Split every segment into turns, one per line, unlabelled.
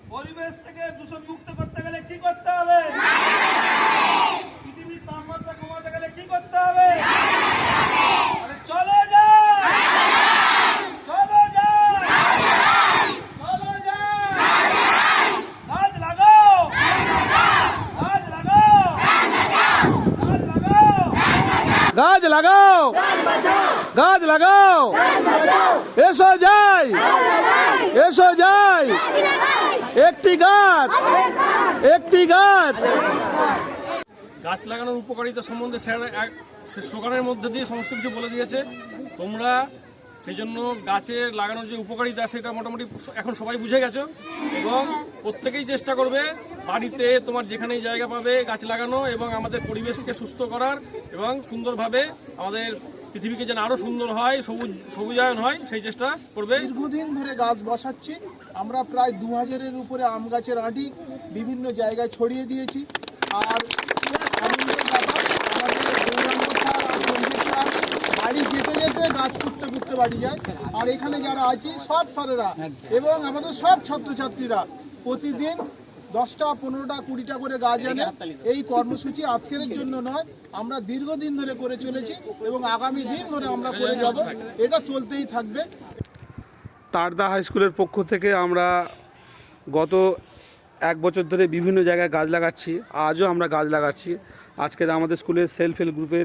পরিবেশ থেকে দূষণ মুক্ত করতে গেলে কি করতে হবে? পৃথিবীর তাপমাত্রা কমাতে গেলে কি করতে হবে? আরে চলো যাই, চলো যাই, চলো যাই। গাছ লাগাও, গাছ লাগাও, গাছ লাগাও,
গাছ লাগাও, গাছ লাগাও, এসো যাই, এসো যাই, একটি গাছ, একটি গাছ।
গাছ লাগানোর উপকারিতা সম্বন্ধে স্যার স্লোগানের মধ্যে দিয়ে সমস্ত কিছু বলে দিয়েছে। তোমরা সেই জন্য গাছের লাগানোর যে উপকারিতা সেটা মোটামুটি এখন সবাই বুঝে গেছো এবং প্রত্যেকেই চেষ্টা করবে বাড়িতে তোমার যেখানেই জায়গা পাবে গাছ লাগানো এবং আমাদের পরিবেশকে সুস্থ করার এবং সুন্দরভাবে আমাদের পৃথিবীকে যেন আরো সুন্দর হয়, সবুজায়ন হয়, সেই চেষ্টা করবে।
দীর্ঘদিন ধরে গাছ বসাচ্ছি আমরা, প্রায় 2000-এর উপরে আম গাছের আঁটি বিভিন্ন জায়গায় ছড়িয়ে দিয়েছি। আর আনন্দের ব্যাপার, আমাদের গৌরাঙ্গ স্যার আর সঞ্জিত স্যার বাড়ি যেতে যেতে গাছ পুঁততে পুঁততে বাড়ি যায়। আর এখানে যারা আছি সব স্যারেরা এবং আমাদের সব ছাত্রছাত্রীরা প্রতিদিন 10টা 15টা 20টা করে গাছ আনে। এই কর্মসূচি আজকের জন্য নয়, আমরা দীর্ঘদিন ধরে করে চলেছি এবং আগামী দিন ধরে আমরা করে যাব, এটা চলতেই থাকবে।
তারদা হাই স্কুলের পক্ষ থেকে আমরা গত 1 বছর ধরে বিভিন্ন জায়গায় গাছ লাগাচ্ছি। আজও আমরা গাছ লাগাচ্ছি। আজকের আমাদের স্কুলের সেলফ হেল্প গ্রুপের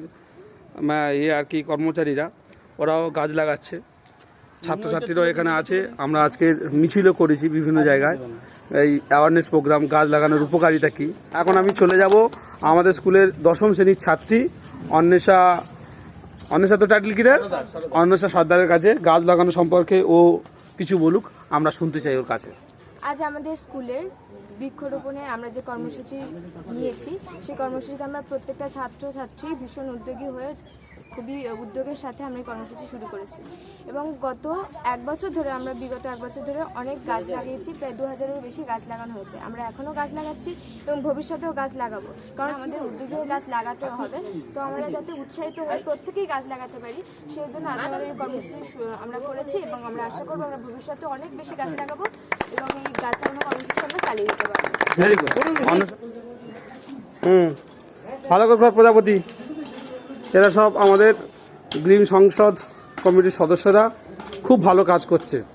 আর কি কর্মচারীরা ওরাও গাছ লাগাচ্ছে, ছাত্রছাত্রীরাও এখানে আছে। আমরা আজকে মিছিলও করেছি বিভিন্ন জায়গায়, এই অ্যাওয়ারনেস প্রোগ্রাম গাছ লাগানোর উপকারিতা কী। এখন আমি চলে যাব আমাদের স্কুলের 10ম শ্রেণীর ছাত্রী অন্বেষা তো টাইটেল কি রে, অন্বেষা সর্দারের কাছে গাছ লাগানো সম্পর্কে ও কিছু বলুক, আমরা শুনতে চাই ওর কাছে।
আজ আমাদের স্কুলের বৃক্ষরোপণে আমরা যে কর্মসূচি নিয়েছি, সেই কর্মসূচিতে আমরা প্রত্যেকটা ছাত্রছাত্রী ভীষণ উদ্যোগী হয়ে খুবই উদ্যোগের সাথে আমরা এই কর্মসূচি শুরু করেছি এবং বিগত 1 বছর ধরে অনেক গাছ লাগিয়েছি। প্রায় 2000-এর বেশি গাছ লাগানো হয়েছে। আমরা এখনও গাছ লাগাচ্ছি এবং ভবিষ্যতেও গাছ লাগাবো, কারণ আমাদের উদ্যোগী হয়ে গাছ লাগাতে হবে। তো আমরা যাতে উৎসাহিত হয়ে প্রত্যেকেই গাছ লাগাতে পারি, সেই জন্য আজ আমাদের এই কর্মসূচি আমরা করেছি এবং আমরা আশা করবো আমরা ভবিষ্যতে অনেক বেশি গাছ লাগাবো এবং এই গাছ লাগানো কর্মসূচি আমরা চালিয়ে দিতে পারবো।
Very good. ভালো করে প্রজাপতি, এরা সব আমাদের গ্রিন সংসদ কমিটির সদস্যরা খুব ভালো কাজ করছে।